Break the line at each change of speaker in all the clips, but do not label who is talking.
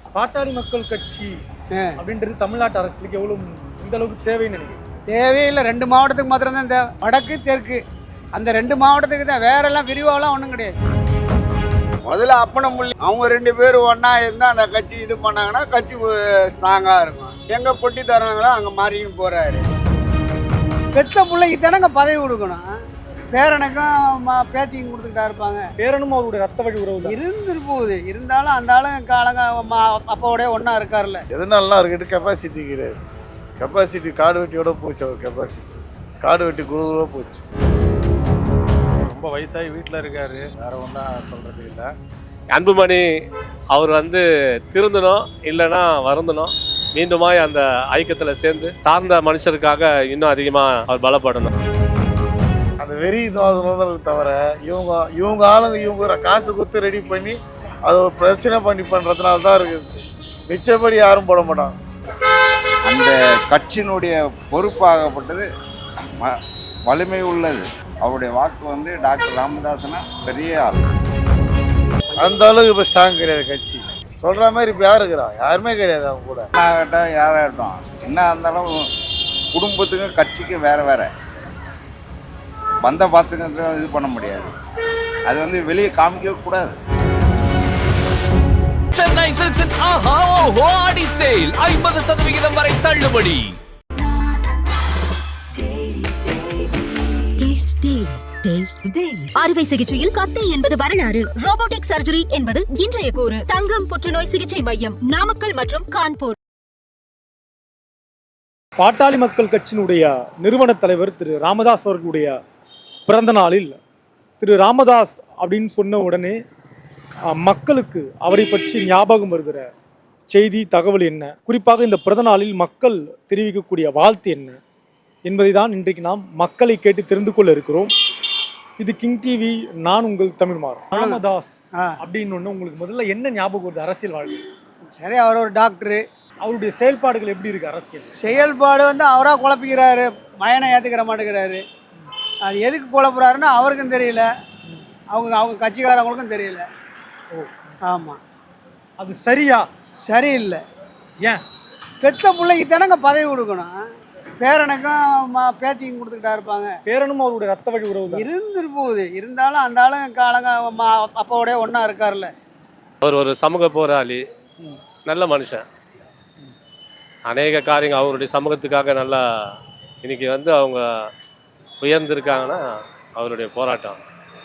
பாட்டாளி மக்கள் கட்சி அப்படின்றது தமிழ்நாட்டு அரசுக்கு எவ்வளவு இந்த அளவுக்கு தேவைன்னு நினைக்கிறேன்.
தேவையில்லை. 2 மாவட்டத்துக்கு மாத்திரம்தான் தேவை. வடக்கு தெற்கு அந்த 2 மாவட்டத்துக்கு தான், வேற எல்லாம் விரிவாலாம் ஒன்றும் கிடையாது.
முதல்ல அப்பனை முள்ளி அவங்க 2 பேரும் ஒன்றா இருந்தால் அந்த கட்சி இது பண்ணாங்கன்னா கட்சி ஸ்ட்ராங்காக இருக்கும். எங்கே பொட்டி தராங்களோ அங்கே மாறின்னு போகிறாரு.
பெத்த பிள்ளைக்கு தானங்க பதவி கொடுக்கணும். பேரனுக்கும் பேத்திக்கும் கொடுத்துக்கிட்டா இருப்பாங்க.
பேரனும் அவருடைய ரத்த வழி உறவு
இருந்துட்டு போகுது. இருந்தாலும் அந்த ஆளுங்க காலங்க அப்பாவோடய ஒன்றா இருக்கார்ல.
எதனாலாம் அவர்கிட்ட கெப்பாசிட்டி கிடையாது. கெப்பாசிட்டி காடு வெட்டியோட போச்சு. அவர் கெப்பாசிட்டி காடு வெட்டி குழுவோட போச்சு.
ரொம்ப வயசாகி வீட்டில் இருக்காரு. வேற ஒன்றும் சொல்கிறது இல்லை.
அன்புமணி அவர் திருந்தணும், இல்லைன்னா வருந்தணும். மீண்டுமாய் அந்த ஐக்கியத்தில் சேர்ந்து சார்ந்த மனுஷருக்காக இன்னும் அதிகமாக அவர் பலப்படணும்.
அந்த வெறி தவிர இவங்க ஆளுங்க இவங்க காசு கொடுத்து ரெடி பண்ணி அது ஒரு பிரச்சனை பண்ணி பண்ணுறதுனால தான் இருக்குது. மிச்சப்படி யாரும் போட மாட்டாங்க.
அந்த கட்சியினுடைய பொறுப்பாகப்பட்டது வலிமை உள்ளது. அவருடைய வாக்கு டாக்டர் ராமதாசனா பெரிய ஆள்.
அந்த அளவுக்கு இப்போ ஸ்ட்ராங் கிடையாது கட்சி. சொல்கிற மாதிரி இப்போ யார் இருக்கிறா? யாருமே கிடையாது. அவங்க கூட
ஆகட்டும் யாராகட்டும் என்ன இருந்தாலும் குடும்பத்துக்கும் கட்சிக்கும் வேறு வேறு வந்த பசங்க இது பண்ண முடியாது. அது வெளியே காமிக்கவே கூடாது.
சென்னை சில்க்ஸின் ஆஹா ஓஹோ ஆடி சேல் 50% வரை தள்ளுபடி.
அறுவை சிகிச்சையில் கத்தை என்பது வரலாறு, ரோபோட்டிக் சர்ஜரி என்பது இன்றைய கூறு. தங்கம் புற்றுநோய் சிகிச்சை மையம், நாமக்கல் மற்றும் கான்பூர்.
பாட்டாளி மக்கள் கட்சியினுடைய நிறுவன தலைவர் திரு ராமதாஸ் அவர்களுடைய பிறந்த நாளில் திரு ராமதாஸ் அப்படின்னு சொன்ன உடனே மக்களுக்கு அவரை பற்றி ஞாபகம் வருகிற செய்தி தகவல் என்ன, குறிப்பாக இந்த பிறந்த நாளில் மக்கள் தெரிவிக்கக்கூடிய வாழ்த்து என்ன என்பதை தான் இன்றைக்கு நாம் மக்களை கேட்டு தெரிந்து கொள்ள இருக்கிறோம். இது கிங் டிவி, நான் உங்கள் தமிழ்மாறன். ராமதாஸ் அப்படின்னு ஒன்று உங்களுக்கு முதல்ல என்ன ஞாபகம் வருது அரசியல் வாழ்க்கை?
சரி, அவர் ஒரு டாக்டரு.
அவருடைய செயல்பாடுகள் எப்படி இருக்கு? அரசியல் செயல்பாடு
அவராக குழப்பிக்கிறாரு, மயனை ஏற்றுக்கிற மாட்டேங்கிறாரு. அது எதுக்கு குழப்புறாருன்னு அவருக்கும் தெரியல, அவங்க கட்சிக்காரங்களுக்கும் தெரியல. ஆமாம்,
அது சரியா?
சரியில்லை.
ஏன்?
பெத்த பிள்ளைக்கு தானங்க பதவி கொடுக்கணும். பேரனுக்கும் பேத்திக்கும் கொடுத்துக்கிட்டா இருப்பாங்க.
பேரனும் அவருடைய ரத்த வழி உறவு
இருந்துட்டு போகுது. இருந்தாலும் அந்த ஆளுங்க காலங்க அப்பாவோடய ஒன்றா இருக்கார்ல.
அவர் ஒரு சமூக போராளி, நல்ல மனுஷன். அநேக காரியங்கள் அவருடைய சமூகத்துக்காக நல்லா இன்னைக்கு அவங்க உயர்ந்திருக்காங்கன்னா அவருடைய போராட்டம்.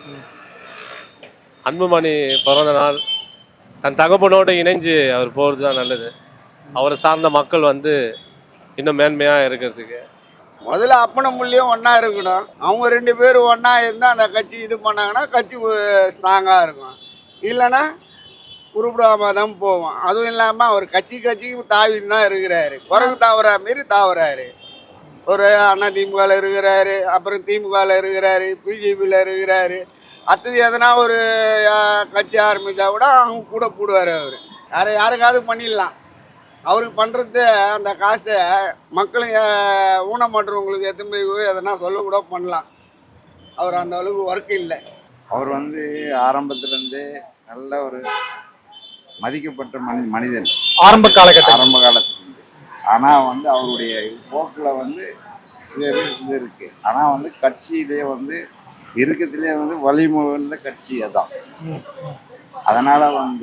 அன்புமணி பிறந்த நாள் தன் தகப்பனோடு இணைஞ்சு அவர் போகிறது தான் நல்லது. அவரை சார்ந்த மக்கள் இன்னும் மேன்மையாக இருக்கிறதுக்கு
முதல்ல அப்பனை முள்ளியும் ஒன்றா இருக்கணும். அவங்க 2 பேரும் ஒன்றா இருந்தால் அந்த கட்சி இது பண்ணாங்கன்னா கட்சி ஸ்ட்ராங்காக இருக்கும். இல்லைன்னா உருப்பிடாமல் தான் போவோம். அதுவும் இல்லாமல் அவர் கட்சிக்கு தாவின்னு தான் இருக்கிறாரு. குரங்கு தாவரா மாரி தாவறாரு. ஒரு அண்ணா திமுகவில் இருக்கிறாரு, அப்புறம் திமுகவில் இருக்கிறாரு, பிஜேபியில் இருக்கிறாரு. அடுத்தது எதனா ஒரு கட்சி ஆரம்பித்தா கூட அவங்க கூட போடுவார். அவர் யாருக்காவது பண்ணிடலாம். அவருக்கு பண்ணுறது அந்த காசை மக்களும் ஊனமாட்டுறவங்களுக்கு எத்தனை போய் எதனா சொல்லக்கூட பண்ணலாம். அவர் அந்த அளவுக்கு ஒர்க் இல்லை. அவர் ஆரம்பத்துலேருந்து நல்ல ஒரு மதிக்கப்பட்ட மனிதன்
ஆரம்ப
காலத்துலேருந்து. ஆனால் அவருடைய போக்கில் இது இருக்குது. ஆனால் கட்சியிலே இருக்கிறதுலே வலிமுறை கட்சி அதான். அதனால்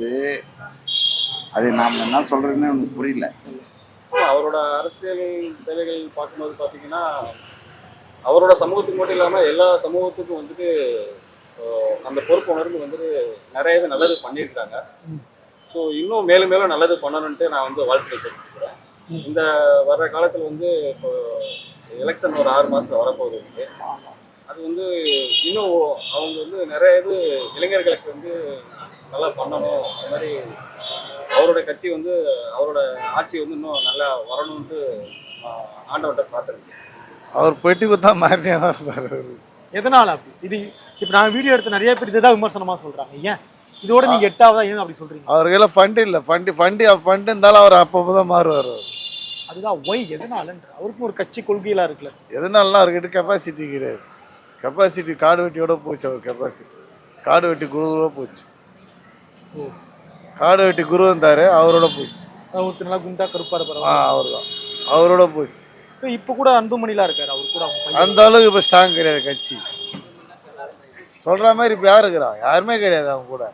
அது நாம் என்ன சொல்கிறதுன்னு எனக்கு புரியல.
அவரோட அரசியல் சேவைகள் பார்க்கும்போது பார்த்தீங்கன்னா அவரோட சமூகத்துக்கு மட்டும் இல்லாமல் எல்லா சமூகத்துக்கும் அந்த பொறுப்பு உணர்ந்து நிறைய இது நல்லது பண்ணியிருக்காங்க. ஸோ இன்னும் மேலும் மேலும் நல்லது பண்ணணுன்ட்டு நான் வாழ்த்துக்கள் தெரிவிச்சுக்கிறேன். இந்த வர்ற காலத்தில் இப்போ எலெக்ஷன் ஒரு 6 மாதத்தில் வரப்போகுது. அது இன்னும் அவங்க நிறைய இது இளைஞர்களுக்கு நல்லா பண்ணணும். அது மாதிரி அவரோட கட்சி அவரோட ஆட்சி இன்னும் நல்லா வரணும்ட்டு ஆண்டவர்கிட்ட பார்த்துருக்கேன்.
அவர் பெட்டி கொடுத்தா மாறினே தான் இருப்பார்.
எதனால அப்படி? இது இப்போ நான் வீடியோ எடுத்து நிறைய பேர் இதுதான் விமர்சனமாக சொல்கிறாங்க. ஏன் இதோட நீங்கள் 8ஆவதா ஏன் அப்படி சொல்கிறீங்க?
அவருக்கெல்லாம் ஃபண்டு இல்லை. ஃபண்டு இருந்தாலும் அவர் அப்பப்போ தான் மாறுவார்.
அதுதான் ஒய் எதனாலன்ற அவருக்கும் ஒரு கட்சி கொள்கையெல்லாம் இருக்குல்ல.
எதனாலாம் அவர்கிட்ட கெப்பாசிட்டி கிடையாது. கெப்பாசிட்டி காடு வெட்டியோட போச்சு. அவர் கெப்பாசிட்டி காடு வெட்டி குழுவோட போச்சு. காடு வெட்டி குரு வந்தார், அவரோட போச்சு.
ஒருத்தர் நல்லா குண்டா கருப்பா இருப்பாரு.
அவர் தான், அவரோட போச்சு.
இப்போ கூட அன்புமணிலாம் இருக்காரு, அவர் கூட அவங்க பையன்.
அந்த அளவுக்கு இப்போ ஸ்ட்ராங் கிடையாது கட்சி. சொல்கிற மாதிரி இப்போ யார் இருக்கிறான்? யாருமே கிடையாது அவங்க கூட.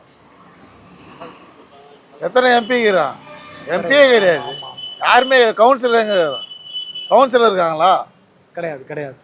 எத்தனை எம்பி இருக்கிறான்? எம்பியே கிடையாது, யாருமே. கவுன்சிலர் எங்கே இருக்கிறான்? கவுன்சிலர் இருக்காங்களா?
கிடையாது கிடையாது.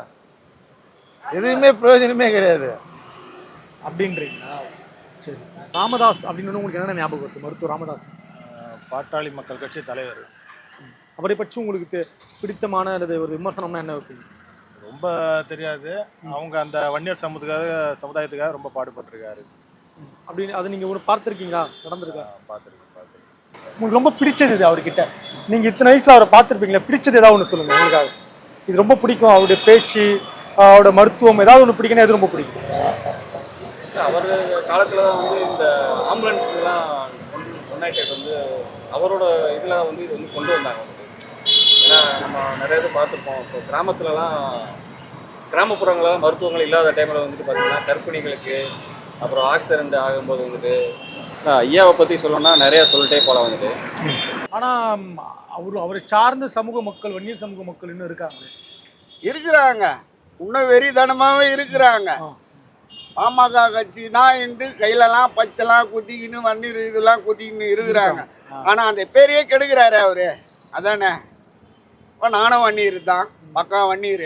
எதுவுமே பிரயோஜனமே கிடையாது
அப்படின்றீங்களா? சரி சரி. ராமதாஸ் அப்படின்னு உங்களுக்கு என்னென்ன ஞாபகம் வருது? மருத்துவர் ராமதாஸ்
பாட்டாளி மக்கள் கட்சி தலைவர்.
அவரை பற்றி உங்களுக்கு பிடித்தமான அல்லது ஒரு விமர்சனம்னா என்ன வைப்பீங்க?
ரொம்ப தெரியாது. அவங்க அந்த வன்னியர் சமுதாயத்துக்காக ரொம்ப பாடுபட்டிருக்காரு.
அப்படின்னு அதை நீங்கள் ஒரு பார்த்துருக்கீங்களா? நடந்திருக்கா?
பார்த்துருக்கேன்.
உங்களுக்கு ரொம்ப பிடிச்சது இது அவர்கிட்ட? நீங்கள் இத்தனை வயசில் அவரை பார்த்துருப்பீங்களா, பிடிச்சது ஏதாவது ஒன்று சொல்லுங்கள் உங்களுக்காக. இது ரொம்ப பிடிக்கும், அவருடைய பேச்சு, அவரோட மருத்துவம், ஏதாவது ஒன்று பிடிக்குன்னா எது ரொம்ப பிடிக்கும்?
அவர் காலத்தில் தான் வந்து இந்த ஆம்புலன்ஸ்லாம் யுனைடெட் வந்து அவரோட இதில் வந்து இது வந்து கொண்டு வந்தாங்க வந்து. ஏன்னா நம்ம நிறைய இது பார்த்துருப்போம். இப்போ கிராமத்துலலாம் கிராமப்புறங்களெலாம் மருத்துவங்கள் இல்லாத டைமில் வந்துட்டு பார்த்திங்கன்னா கர்ப்பிணிகளுக்கு அப்புறம் ஆக்சிடென்ட் ஆகும்போது வந்துட்டு ஐயாவை பற்றி சொல்லணும்னா நிறையா சொல்லிட்டே போகலாம் வந்துட்டு.
ஆனால் அவரை சார்ந்த சமூக மக்கள், வன்னியர் சமூக மக்கள் இன்னும்
இருக்கிறாங்க, இன்னும் வெறித்தனமாகவே இருக்கிறாங்க. பாமக கட்சி தான் என்று கையிலலாம் பச்சைலாம் குத்திக்கின்னு வன்னீர் இதெல்லாம் குத்திக்கின்னு இருக்கிறாங்க. ஆனால் அந்த பேரையே கெடுக்கிறாரு அவரு. அதானே? இப்போ நானும் வன்னீர் தான், பக்கா வன்னீர்.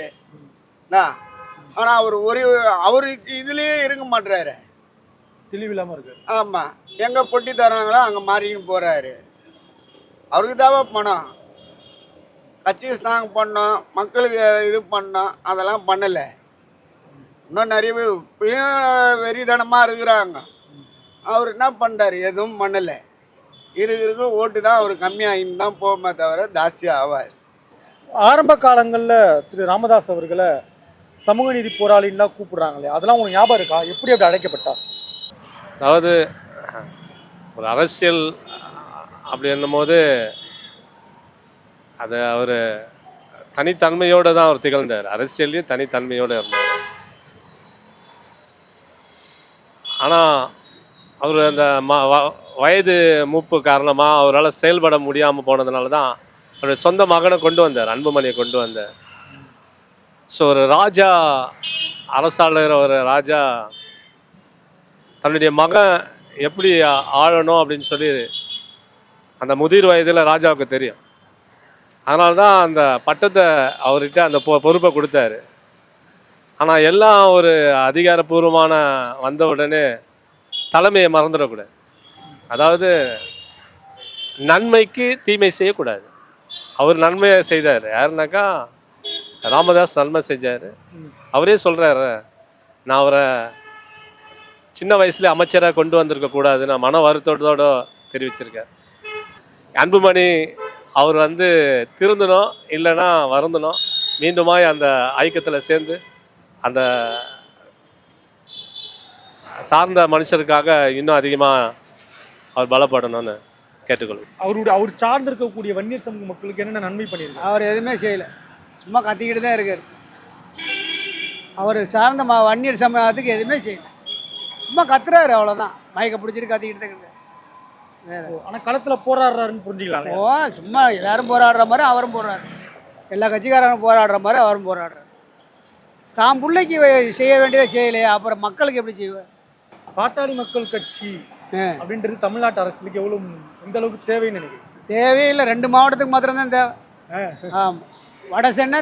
ஆனால் அவர் இதுலேயே இருக்க மாட்டுறாரு,
தெளிவில்லாமல் இருக்காரு.
ஆமாம், எங்கே பொட்டி தராங்களோ அங்கே மாறின்னு போகிறாரு. அவருக்கு தேவை பணம். கட்சி ஸ்ட்ராங் பண்ணோம், மக்களுக்கு இது பண்ணோம், அதெல்லாம் பண்ணலை. இன்னும் நிறைய பேர் இப்பயும் வெறித்தனமாக இருக்கிறாங்க. அவர் என்ன பண்ணுறாரு? எதுவும் பண்ணலை. இருக்க ஓட்டு தான் அவர் கம்மியாகின்னு தான் போகுமே தவிர ஜாஸ்தியாக ஆகாது.
ஆரம்ப காலங்களில் திரு ராமதாஸ் அவர்களை சமூக நீதி போராளின்லாம் கூப்பிடுறாங்களே, அதெல்லாம் உங்களுக்கு ஞாபகம் இருக்கா? எப்படி அப்படி அழைக்கப்பட்டார்?
அதாவது ஒரு அரசியல் அப்படி என்னும்போது அது அவர் தனித்தன்மையோடு தான் அவர் திகழ்ந்தார். அரசியல்லையும் தனித்தன்மையோடு இருந்தார். ஆனால் அவர் அந்த வயது மூப்பு காரணமாக அவரால் செயல்பட முடியாமல் போனதுனால தான் அவருடைய சொந்த மகனை கொண்டு வந்தார், அன்புமணியை கொண்டு வந்தார். ஸோ ஒரு ராஜா, அரசாளுகிற ஒரு ராஜா தன்னுடைய மகன் எப்படி ஆளணும் அப்படின்னு சொல்லி அந்த முதிர் வயதில் ராஜாவுக்கு தெரியும். அதனால தான் அந்த பட்டத்தை அவர்கிட்ட அந்த பொறுப்பை கொடுத்தாரு. ஆனால் எல்லாம் ஒரு அதிகாரப்பூர்வமான வந்த உடனே தலைமையை மறந்துடக்கூடாது. அதாவது நன்மைக்கு தீமை செய்யக்கூடாது. அவர் நன்மையை செய்தார். யாருனாக்கா ராமதாஸ் நன்மை செஞ்சார். அவரே சொல்கிறாரு, நான் அவரை சின்ன வயசுல அமைச்சராக கொண்டு வந்திருக்கக்கூடாது, நான் மன வருத்தத்தோடு தெரிவிச்சிருக்கேன். அன்புமணி அவர் வந்து திருந்தணும், இல்லைன்னா வருந்தணும், மீண்டுமாய் அந்த ஐக்கியத்தில் சேர்ந்து அந்த சார்ந்த மனுஷருக்காக இன்னும் அதிகமாக அவர் பலப்படணும்னு கேட்டுக்கொள்ளும்.
அவர் சார்ந்து இருக்கக்கூடிய வன்னியர் சமூக மக்களுக்கு என்னென்ன நன்மை பண்ணியிருக்காரு?
அவர் எதுவுமே செய்யலை, சும்மா கத்திக்கிட்டு தான் இருக்கார். அவர் சார்ந்த வன்னியர் சமூகத்துக்கு எதுவுமே செய்யலை, சும்மா கத்துறாரு, அவ்வளோதான். மயக்க பிடிச்சிட்டு கத்திக்கிட்டு தான் இருக்காரு.
ஆனால் களத்தில் போராடுறாருன்னு புரிஞ்சுக்கலாம்.
சும்மா எல்லாரும் போராடுற மாதிரி அவரும் போராடுறாரு, எல்லா கட்சிக்காரரும் போராடுற மாதிரி அவரும் போராடுறாரு. தான் பிள்ளைக்கு செய்ய வேண்டியதை செய்யலையே, அப்புறம் மக்களுக்கு எப்படி செய்வேன்?
பாட்டாளி மக்கள் கட்சி அப்படின்றது தமிழ்நாட்டு அரசுக்கு எந்த அளவுக்கு தேவைன்னு நினைக்கிறேன்?
தேவையில்லை, 2 மாவட்டத்துக்கு மாத்திரம்தான் தேவை. ஆமாம், வட சென்னை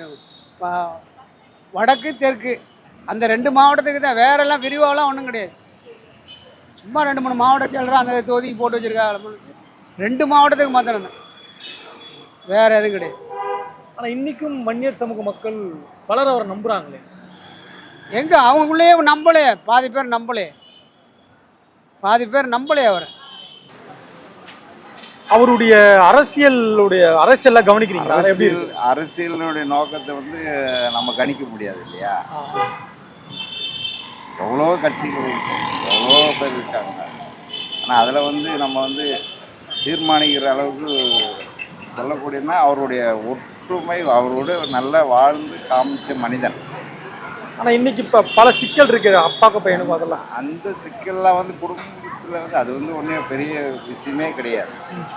வடக்கு தெற்கு அந்த 2 மாவட்டத்துக்கு தான். வேறெல்லாம் விரிவாலாம் ஒன்றும் கிடையாது. சும்மா 2-3 மாவட்டம் செல்கிறோம், அந்த தொகுதிக்கு போட்டு வச்சுருக்காங்க. 2 மாவட்டத்துக்கு மாத்திரம்தான், வேறு எதுவும் கிடையாது.
ஆனால் இன்றைக்கும் வன்னியர் சமூக மக்கள் பலர் அவரை நம்புகிறாங்களே.
எங்கே அவங்களுக்குள்ளேயே நம்பலே, பாதி பேர் நம்பலே அவரை.
அவருடைய அரசியல்லாம் கவனிக்கிறீங்களா?
அரசியலினுடைய நோக்கத்தை வந்து நம்ம கணிக்க முடியாது இல்லையா? எவ்வளோ கட்சிகள் எவ்வளோ பேர் இருக்காங்க. ஆனால் அதில் வந்து நம்ம வந்து தீர்மானிக்கிற அளவுக்கு சொல்லக்கூடியனா அவருடைய ஒற்றுமை, அவரோட நல்லா வாழ்ந்து காமிச்ச மனிதன்.
ஆனால் இன்னைக்கு இப்போ பல சிக்கல் இருக்குது, அப்பாக்கு பையனுக்கும். அதெல்லாம்
அந்த சிக்கல்லாம் வந்து குடும்பத்தில் காலத்தில் வந்து அது வந்து ஒன்றும் பெரிய விஷயமே கிடையாது.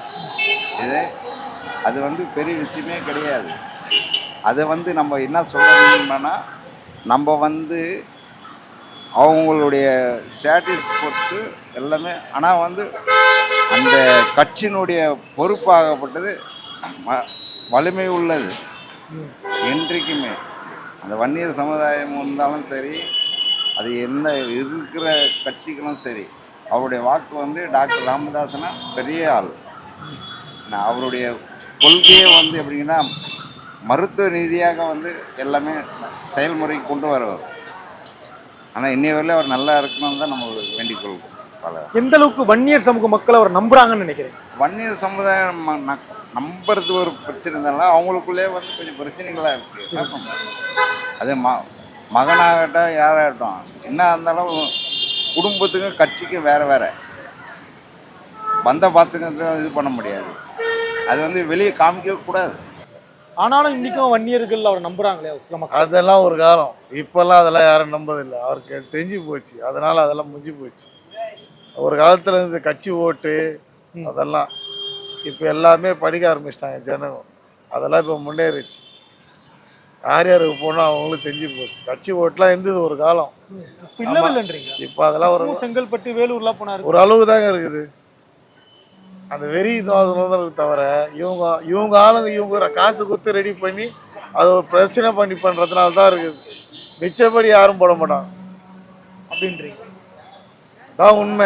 அது வந்து பெரிய விஷயமே கிடையாது. அதை வந்து நம்ம என்ன சொல்லணும்னா, நம்ம வந்து அவங்களுடைய ஸ்டேட்டஸ் பொறுத்து எல்லாமே. ஆனால் வந்து அந்த கட்சியினுடைய பொறுப்பாகப்பட்டது வலிமை உள்ளது. என்றைக்குமே அந்த வன்னியர் சமுதாயம் இருந்தாலும் சரி, அது என்ன இருக்கிற கட்சிகளும் சரி, அவருடைய வாக்கு வந்து டாக்டர் ராமதாஸ்னா பெரிய ஆள். அவருடைய கொள்கையே வந்து எப்படின்னா மருத்துவ ரீதியாக வந்து எல்லாமே செயல்முறைக்கு கொண்டு வருவார். ஆனால் இன்னைய வரையிலும் அவர் நல்லா இருக்கணும்னு தான் நம்ம வேண்டிக் கொள்வோம்.
எந்த அளவுக்கு வன்னியர் சமூக மக்கள் அவர் நம்புறாங்கன்னு நினைக்கிறேன்?
வன்னியர் சமுதாயம் நம்புறது ஒரு பிரச்சனை இருந்தாலும் அவங்களுக்குள்ளே வந்து கொஞ்சம் பிரச்சனைகளாக இருக்குது. அது மகனாகட்டும் யாராகட்டும் என்ன இருந்தாலும் குடும்பத்துக்கும் கட்சிக்கும் வேறு வேறு வந்த பாசங்கத்தை இது பண்ண முடியாது. அது வந்து வெளியே காமிக்கவே கூடாது.
ஆனாலும் இன்னைக்கும் வன்னியர்கள் அவர் நம்புறாங்களே சில மக்கள்.
அதெல்லாம் ஒரு காலம். இப்போல்லாம் அதெல்லாம் யாரும் நம்பதில்லை. அவருக்கு தெரிஞ்சு போச்சு. அதனால் அதெல்லாம் முடிஞ்சு போச்சு. ஒரு காலத்தில் இந்த கட்சி ஓட்டு அதெல்லாம் இப்போ எல்லாமே படிக்க ஆரம்பிச்சிட்டாங்க ஜனங்க. அதெல்லாம் இப்போ முன்னேறிச்சு. யார் யாருக்கு போனால் அவங்களுக்கு தெரிஞ்சு போச்சு. கட்சி ஓட்டுலாம் இருந்தது ஒரு காலம். இப்போ அதெல்லாம் ஒரு
செங்கல்பட்டு வேலூர்லாம் போனாரு.
ஒரு அளவுக்கு தாங்க இருக்குது. அந்த வெறி இதுவாக தவிர இவங்க ஆளுங்க இவங்க காசு கொடுத்து ரெடி பண்ணி அதை ஒரு பிரச்சனை பண்ணி பண்ணுறதுனால தான் இருக்குது. மிச்சப்படி யாரும் போட மாட்டாங்க
அப்படின்றீங்க
தான் உண்மை.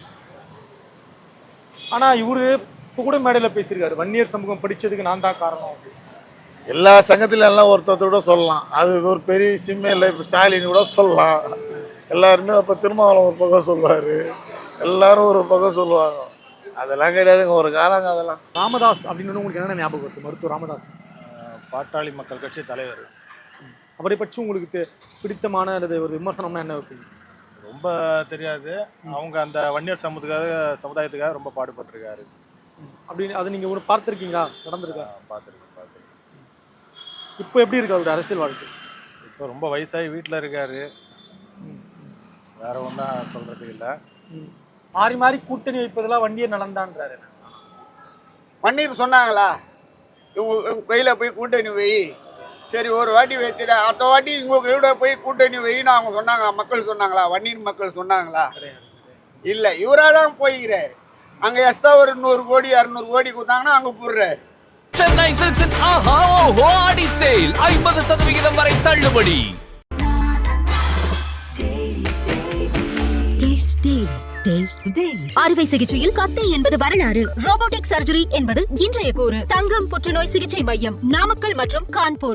ஆனா இவரு இப்போ கூட மேடையில் பேசியிருக்காரு, வன்னியர் சமூகம் படிச்சதுக்கு நான் தான் காரணம்.
எல்லா சங்கத்திலும் எல்லாம் ஒருத்தர் கூட சொல்லலாம். அது ஒரு பெரிய விஷயமே இல்லை. இப்போ ஸ்டாலின் கூட சொல்லலாம். எல்லாருமே இப்போ திருமாவளவன் ஒரு பக்கம் சொல்லுவார், எல்லாரும் ஒரு பக்கம் சொல்லுவாங்க. அதெல்லாம் கிடையாதுங்க ஒரு காலங்க. அதெல்லாம்
ராமதாஸ் அப்படின்னு உங்களுக்கு என்னென்ன ஞாபகம் இருக்கு? மருத்துவர் ராமதாஸ்
பாட்டாளி மக்கள் கட்சி தலைவர்.
அவரை பற்றி உங்களுக்கு பிடித்தமான அல்லது ஒரு விமர்சனம்னா என்ன இருக்கு?
ரொம்ப தெரியாது. அவங்க அந்த வன்னியர் சமுதாயத்துக்காக ரொம்ப பாடுபட்டிருக்காரு.
அப்படின்னு அதை நீங்கள் ஒரு பார்த்துருக்கீங்களா? நடந்திருக்கா?
பார்த்துருக்கேன்.
இப்போ எப்படி இருக்கு அவருடைய அரசியல் வாழ்க்கை?
இப்போ ரொம்ப வயசாகி வீட்டில் இருக்காரு. வேற ஒன்றும் சொல்கிறதுக்கு இல்லை.
மாறி மாறி கூட்டணி வைப்பதெல்லாம் வன்னியர் நலன்தான்றாரு.
வன்னியர் சொன்னாங்களா இவங்க கையில் போய் கூட்டணி வை, சரி ஒரு வாட்டி வச்சுட்டு அடுத்த வாட்டி இவங்க கையோட போய் கூட்டணி வைன்னு அவங்க சொன்னாங்களா? மக்கள் சொன்னாங்களா? வன்னியர் மக்கள் சொன்னாங்களா? இல்லை, இவராக தான் போய்கிறாரு. அங்கே எக்ஸ்ட்ரா ஒரு 100 கோடி 200 கோடி கொடுத்தாங்கன்னா அங்கே போடுறாரு.
சென்னை சில்க்ஸின் ஆஹா ஓஹோ ஆடி சேல் 50% வரை தள்ளுபடி.
அறுவை சிகிச்சையில் கத்தை என்பது வரலாறு, ரோபோட்டிக் சர்ஜரி என்பது இன்றைய கூறு. தங்கம் புற்றுநோய் சிகிச்சை மையம், நாமக்கல் மற்றும் கான்பூர்.